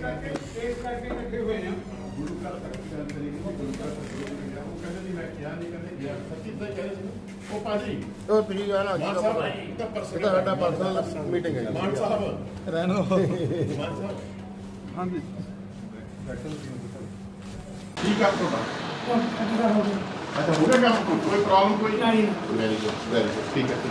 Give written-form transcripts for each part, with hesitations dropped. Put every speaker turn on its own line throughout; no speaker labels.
ਸਾਡਾ personal meeting ਹੈ ਮਾਨ ਸਾਹਿਬ ਰਹਿਣ ਦਿਓ। ਹਾਂਜੀ ਠੀਕ ਆ ਤੁਹਾਡਾ अच्छा हो गया काम कोई प्रॉब्लम कोई नहीं वेरी गुड ठीक है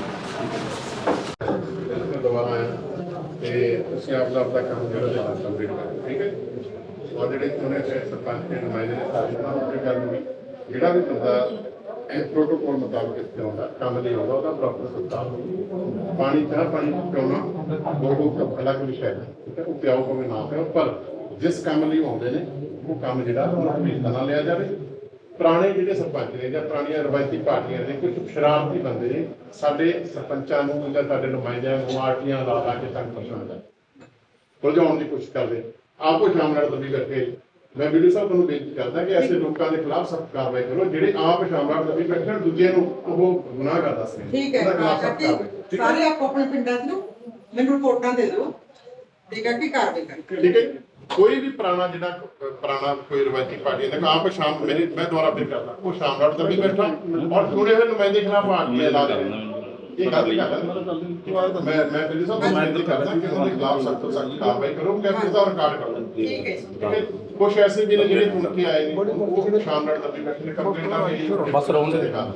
दोबारा आया ते ਤੁਸੀਂ ਆਪਦਾ ਕੰਮ ਜਿਹੜਾ ਕੰਪਲੀਟ ਕਰੋ ਠੀਕ ਹੈ ਔਰ ਜਿਹੜੇ ਚੁਣੇ ਗਏ ਸਰਪੰਚ ਦੇ ਨੁਮਾਇੰਦੇ ਨੇ ਸਾਰੇ ਨਾਲ ਉਹ ਗੱਲ ਹੋਈ ਜਿਹੜਾ ਵੀ ਬੰਦਾ ਇਹ ਪ੍ਰੋਟੋਕੋਲ ਮੁਤਾਬਕ ਇੱਥੇ ਆਉਂਦਾ ਕੰਮ ਲਈ ਆਉਂਦਾ ਉਹਦਾ ਪ੍ਰੋਪਰ ਸਤਿਕਾਰ ਪਾਣੀ ਚਾਹ ਪਾਣੀ ਪਿਉਣਾ ਦੋ ਕੱਪ ਅਲੱਗ ਵਿਸ਼ਾ ਹੈ ਠੀਕ ਹੈ ਉਹ ਪਿਆਓ ਭਾਵੇਂ ਨਾ ਪਿਆਓ ਪਰ ਜਿਸ ਕੰਮ ਲਈ ਆਉਂਦੇ ਨੇ ਉਹ ਕੰਮ ਜਿਹੜਾ ਉਹਨਾਂ ਨੂੰ ਮਿਲਦਾ ਨਾ ਲਿਆ ਜਾਵੇ। ਪੁਰਾਣੇ ਜਿਹੜੇ ਸਰਪੰਚ ਨੇ ਜਾਂ ਪੁਰਾਣੀਆਂ ਰਵਾਇਤੀ ਪਾਰਟੀਆਂ ਨੇ ਕੁਝ ਸ਼ਰਾਰਤੀ ਬੰਦੇ ਨੇ ਸਾਡੇ ਸਰਪੰਚਾਂ ਨੂੰ ਜਾਂ ਸਾਡੇ ਨੁਮਾਇੰਦਿਆਂ ਨੂੰ ਆਰਟੀਆਂ ਲਾ ਕੇ ਤੰਗ ਪਰੇਸ਼ਾਨ ਉਲਝਾਉਣ ਦੀ ਕੋਸ਼ਿਸ਼ ਕਰਦੇ ਆਪੋ ਸ਼ਾਮ ਨਾਲ ਦਬੀ ਕਰਕੇ ਮੈਂ ਵੀਡੀਓ ਸਾਹਿਬ ਤੁਹਾਨੂੰ ਬੇਨਤੀ ਕਰਦਾ ਕਿ ਐਸੇ ਲੋਕਾਂ ਦੇ ਖਿਲਾਫ ਸਖਤ ਕਾਰਵਾਈ ਕਰੋ ਜਿਹੜੇ ਆਪ ਸ਼ਾਮ ਨਾਲ ਦਬੀ ਬੈਠਣ ਦੂਜੇ ਨੂੰ ਉਹ ਗੁਨਾਹਗਾਰ ਦੱਸਦੇ ਨੇ। ਠੀਕ ਹੈ
ਸਾਰੇ ਆਪ ਆਪਣੇ ਪਿੰਡਾਂ ਨੂੰ ਮੈਨੂੰ ਰਿਪੋਰਟਾਂ ਦੇ ਦਿਓ ਠੀਕ ਹੈ ਕੀ ਕਾਰਵਾਈ ਕਰਨੀ
ਠੀਕ ਹੈ। कोई भी पुराना कोई रवायती पार्टी है आप शाम मैं दोबारा फिर करता वो शाम रात तक भी बैठा और चुने हुए नुमाइंदे खिलाफ पार्टियां ला रहे हैं ये गल मैं फिर सब नुमाइंदे करता कि उनके खिलाफ सख्त कार्रवाई करो कैमरे का रिकॉर्ड कर लो ठीक है। कुछ ऐसे भी ने ਜਿਹੜੇ ਚੁਣ ਕੇ ਆਏ ਨੇ ਉਹ ਸ਼ਾਮ ਰਾਤ ਤੱਕ ਬੈਠੇ ਨੇ ਕੰਪਲੇਂਟਾਂ ਬਸ ਰੌਂਡ ਦੇ ਦਿਖਾ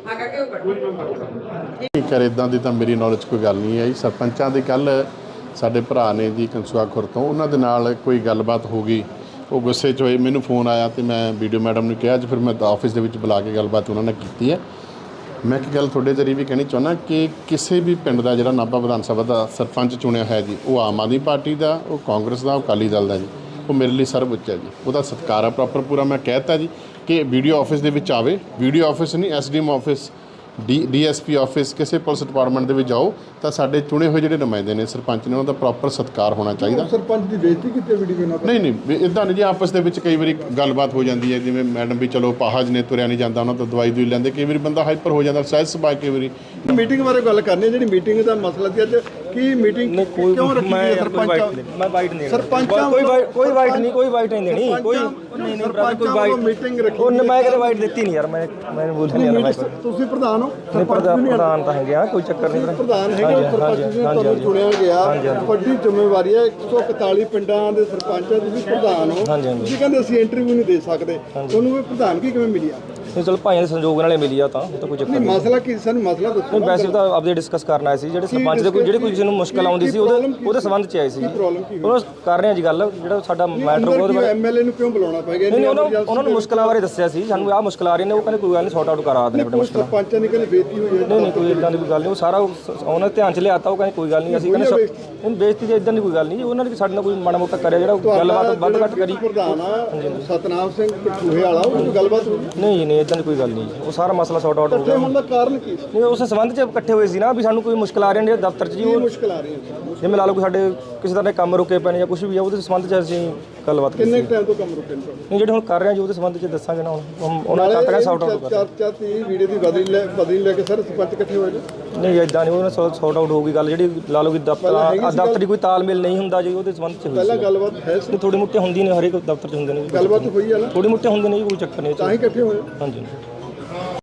ਠੀਕ ਹੈ। ਇਦਾਂ ਦੀ ਤਾਂ ਮੇਰੀ ਨੌਲੇਜ ਕੋਈ ਗੱਲ ਨਹੀਂ ਆਈ। ਸਰਪੰਚਾਂ ਦੇ ਕੱਲ ਸਾਡੇ ਭਰਾ ਨੇ ਜੀ ਕੰਸੂਆ ਖੁਰ ਤੋਂ ਉਹਨਾਂ ਦੇ ਨਾਲ ਕੋਈ ਗੱਲਬਾਤ ਹੋ ਗਈ ਉਹ ਗੁੱਸੇ 'ਚ ਹੋਏ ਮੈਨੂੰ ਫੋਨ ਆਇਆ ਤੇ ਮੈਂ ਵੀਡੀਓ ਮੈਡਮ ਨੂੰ ਕਿਹਾ ਅੱਜ ਫਿਰ ਮੈਂ ਆਫਿਸ ਦੇ ਵਿੱਚ ਬੁਲਾ ਕੇ ਗੱਲਬਾਤ ਉਹਨਾਂ ਨਾਲ ਕੀਤੀ ਹੈ। ਮੈਂ ਇੱਕ ਗੱਲ ਤੁਹਾਡੇ ਜ਼ਰੀਏ ਵੀ ਕਹਿਣੀ ਚਾਹੁੰਦਾ ਕਿ ਕਿਸੇ ਵੀ ਪਿੰਡ ਦਾ ਜਿਹੜਾ ਨਾਭਾ ਵਿਧਾਨ ਸਭਾ ਦਾ ਸਰਪੰਚ ਚੁਣਿਆ ਹੋਇਆ ਜੀ ਉਹ ਆਮ ਆਦਮੀ ਪਾਰਟੀ ਦਾ ਉਹ ਕਾਂਗਰਸ ਦਾ ਉਹ ਅਕਾਲੀ ਦਲ ਦਾ ਜੀ ਉਹ ਮੇਰੇ ਲਈ ਸਰਵ ਉੱਚ ਹੈ ਜੀ ਉਹਦਾ ਸਤਿਕਾਰ ਆ ਪ੍ਰੋਪਰ ਪੂਰਾ। ਮੈਂ ਕਹਿ ਦਿੱਤਾ ਜੀ ਕਿ ਵੀਡੀਓ ਆਫਿਸ ਦੇ ਵਿੱਚ ਆਵੇ ਵੀਡੀਓ ਆਫਿਸ ਨਹੀਂ ਐਸਡੀਐਮ ਆਫਿਸ ਡੀਐਸਪੀ ਆਫਿਸ ਕਿਸੇ ਪੁਲਿਸ ਡਿਪਾਰਟਮੈਂਟ ਦੇ ਵਿੱਚ ਜਾਓ ਤਾਂ ਸਾਡੇ ਚੁਣੇ ਹੋਏ ਜਿਹੜੇ ਨੁਮਾਇੰਦੇ ਨੇ ਸਰਪੰਚ ਨੇ ਉਹਨਾਂ ਦਾ ਪ੍ਰੋਪਰ ਸਤਿਕਾਰ ਹੋਣਾ ਚਾਹੀਦਾ।
ਸਰਪੰਚ ਦੀ ਬੇਇੱਜ਼ਤੀ ਕੀਤੀ ਵੀਡੀਓ ਨਾਲ
ਨਹੀਂ ਇੱਦਾਂ ਨਹੀਂ ਜੀ ਆਪਸ ਦੇ ਵਿੱਚ ਕਈ ਵਾਰੀ ਗੱਲਬਾਤ ਹੋ ਜਾਂਦੀ ਹੈ ਜਿਵੇਂ ਮੈਡਮ ਵੀ ਚਲੋ ਪਾਹਾਜ ਨੇ ਤੁਰਿਆ ਨਹੀਂ ਜਾਂਦਾ ਉਹਨਾਂ ਤੋਂ ਦਵਾਈ ਦੂਈ ਲੈਂਦੇ ਕਈ ਵਾਰੀ ਬੰਦਾ ਹਾਈਪਰ ਹੋ ਜਾਂਦਾ ਸਹਿਜ ਸੁਭਾਅ ਕਈ ਵਾਰੀ
ਮੀਟਿੰਗ ਬਾਰੇ ਗੱਲ ਕਰਨੀ ਜਿਹੜੀ ਮੀਟਿੰਗ ਦਾ ਮਸਲਾ ਸੀ ਅੱਜ ਕੀ ਮੀਟਿੰਗ ਕਿਉਂ ਰੱਖੀ ਹੈ ਸਰਪੰਚ
ਮੈਂ ਵਾਈਟ ਨਹੀਂ
ਸਰਪੰਚਾਂ
ਕੋਈ ਵਾਈਟ ਨਹੀਂ ਦੇਣੀ ਕੋਈ ਨਹੀਂ ਕੋਈ ਵਾਈਟ
ਮੀਟਿੰਗ ਰੱਖੀ
ਉਹ ਮੈਂ ਕਦੇ ਵਾਈਟ ਦਿੱਤੀ ਨਹੀਂ ਯਾਰ ਮੈਂ ਬੋਲਿਆ ਨਹੀਂ ਯਾਰ
ਤੁਸੀਂ ਪ੍ਰਧਾਨ ਹੋ
ਪ੍ਰਧਾਨ ਤਾਂ ਹੈਗੇ ਆ ਕੋਈ ਚੱਕਰ ਨਹੀਂ
ਪ੍ਰਧਾਨ ਹੈਗੇ ਸਰਪੰਚ ਤੁਹਾਨੂੰ ਚੁਣਿਆ ਗਿਆ ਵੱਡੀ ਜ਼ਿੰਮੇਵਾਰੀ ਹੈ 141 ਪਿੰਡਾਂ ਦੇ ਸਰਪੰਚ ਤੁਸੀਂ ਪ੍ਰਧਾਨ ਹੋ ਤੁਸੀਂ ਕਹਿੰਦੇ ਅਸੀਂ ਇੰਟਰਵਿਊ ਨਹੀਂ ਦੇ ਸਕਦੇ ਤੁਹਾਨੂੰ ਇਹ ਪ੍ਰਧਾਨਗੀ ਕਿਵੇਂ ਮਿਲੀ ਆ?
ਨਹੀਂ ਚਲ ਭਾਈਆਂ ਦੇ ਸੰਯੋਗ ਨਾਲੇ ਮਿਲੀ ਆ ਤਾਂ ਕੋਈ ਚੱਕਰ ਨਹੀਂ।
ਮਸਲਾ ਕੀ ਸਾਨੂੰ ਮਸਲਾ ਦੱਸੋ।
ਨਹੀਂ ਵੈਸੇ ਤਾਂ ਆਪਦੇ ਡਿਸਕਸ ਕਰਨ ਆਏ ਸੀ ਜਿਹੜੇ ਸਰਪੰਚ ਦੇ ਕੋਈ ਜਿਹੜੀ ਕੋਈ ਕਿਸੇ ਨੂੰ ਮੁਸ਼ਕਲ ਆਉਂਦੀ ਸੀ ਉਹਦੇ ਸੰਬੰਧ 'ਚ ਆਏ ਸੀ ਉਹਨਾਂ ਕਰ ਰਹੇ ਆ ਜੀ ਗੱਲ ਜਿਹੜਾ ਸਾਡਾ ਮੈਟਰ ਉਹਦੇ ਬਾਰੇ
ਐਮਐਲਏ ਨੂੰ ਕਿਉਂ ਬੁਲਾਉਣਾ ਪੈ ਗਿਆ?
ਨਹੀਂ ਉਹਨਾਂ ਨੂੰ ਮੁਸ਼ਕਲਾਂ ਬਾਰੇ ਦੱਸਿਆ ਸੀ ਸਾਨੂੰ ਆਹ ਮੁਸ਼ਕਲ ਆ ਰਹੀ ਨੇ ਉਹ ਕਹਿੰਦੇ ਕੋਈ ਗੱਲ ਨਹੀਂ ਸੌਟ ਆਊਟ ਕਰਾ ਦਿੰਦੇ ਬੇਟਾ ਮੁਸ਼ਕਲ
ਸਰਪੰਚਾਂ ਨੇ ਕਹਿੰਦੇ ਬੇਇੱਜ਼ਤੀ ਹੋਈ ਹੈ
ਨਹੀਂ ਕੋਈ ਇਦਾਂ ਦੀ ਕੋਈ ਗੱਲ ਨਹੀਂ ਉਹ ਸਾਰਾ ਉਹਨਾਂ ਦੇ ਧਿਆਨ 'ਚ ਲਿਆਤਾ ਉਹ ਕਹਿੰਦੇ ਕੋਈ ਗੱਲ ਨਹੀਂ ਅਸੀਂ ਕਹਿੰਦੇ ਬੇਇੱਜ਼ਤੀ ਦੀ ਇਦਾਂ ਦੀ ਕੋਈ ਗੱਲ ਨਹੀਂ ਜੀ ਉਹਨਾਂ ਨੇ ਸਾਡੇ ਨਾਲ ਕੋਈ ਮਾੜਾ ਮੋਟਾ ਕਰਿਆ ਜਿਹੜਾ ਗੱਲਬਾਤ ਵੱਧ ਘੱਟ ਕਰੀ
ਪ੍ਰਧਾਨ ਸਤਨਾਮ ਸਿੰਘ ਕਠੂਹੇ ਵਾਲਾ ਉਹ ਗੱਲਬਾਤ
ਨਹੀਂ ਇਦਾਂ ਦੀ ਕੋਈ ਗੱਲ ਨਹੀਂ ਉਹ ਸਾਰਾ ਮਸਲਾ ਸੌਟ ਆਊਟ ਹੋ ਗਿਆ।
ਹੋਣ ਦਾ ਕਾਰਨ ਕੀ
ਨਹੀਂ ਉਸ ਸੰਬੰਧ 'ਚ ਇਕੱਠੇ ਹੋਏ ਸੀ ਨਾ ਵੀ ਸਾਨੂੰ ਕੋਈ ਮੁਸ਼ਕਲ ਆ ਰਹੀ ਹੈ ਦਫ਼ਤਰ 'ਚ ਜੀ ਉਹ
ਮੁਸ਼ਕਲ ਆ ਰਹੀ ਹੈ
ਜਿਵੇਂ ਲਾ ਲਓ ਕਿ ਸਾਡੇ ਕਿਸੇ ਤਰ੍ਹਾਂ ਦੇ ਕੰਮ ਰੁਕੇ ਪਏ ਨੇ ਜਾਂ ਕੁਝ ਵੀ ਆ ਉਹਦੇ ਸੰਬੰਧ 'ਚ ਅਸੀਂ ਗੱਲਬਾਤ ਕੀਤੀ।
ਕਿੰਨੇ ਟਾਈਮ ਤੋਂ ਕੰਮ ਰੁਕੇ ਨੇ?
ਨਹੀਂ ਜਿਹੜੇ ਹੁਣ ਕਰ ਰਹੇ ਆ ਜੀ ਉਹਦੇ ਸੰਬੰਧ 'ਚ ਦੱਸਾਂਗੇ ਨਾ ਹੁਣ ਉਹਨਾਂ ਦਾ ਤੱਕ ਸੌਟ ਆਊਟ ਕਰ
ਚਰਚਾ ਤੀ ਵੀਡੀਓ ਦੀ ਬਦਲੀ ਲੈ ਕੇ ਸਾਰੇ ਸਰਪੰਚ ਇਕੱਠੇ ਹੋਏ ਨੇ
ਨਹੀਂ ਇਦਾਂ ਨਹੀਂ ਉਹਨਾਂ ਸੌਟ ਆਊਟ ਹੋਊਗੀ ਗੱਲ ਜਿਹੜੀ ਲਾ ਲਓ ਕਿ ਦਫ਼ਤਰ ਦੀ ਕੋਈ ਤਾਲਮੇਲ ਨਹੀਂ ਹੁੰਦਾ ਜੀ ਉਹਦੇ ਸੰਬੰਧ 'ਚ ਹੋਈ
ਪਹਿਲਾਂ ਗੱਲਬਾਤ ਹੈ ਸੀ
ਥੋੜੀ ਮੋਟੀ ਹੁੰਦੀ ਨੇ ਹਰੇਕ ਦਫ਼ਤਰ 'ਚ ਹੁੰਦੇ ਨੇ
ਗੱਲਬਾਤ ਹੋਈ ਆ ਨਾ
ਥੋੜੀ ਮੋਟੀ ਹੁੰਦੇ ਨੇ ਜੀ ਕੋਈ ਚੱਕਰ ਨਹੀਂ
ਤਾਂ ਹੀ ਇਕੱਠੇ ਹੋਏ
ਹਾਂਜੀ।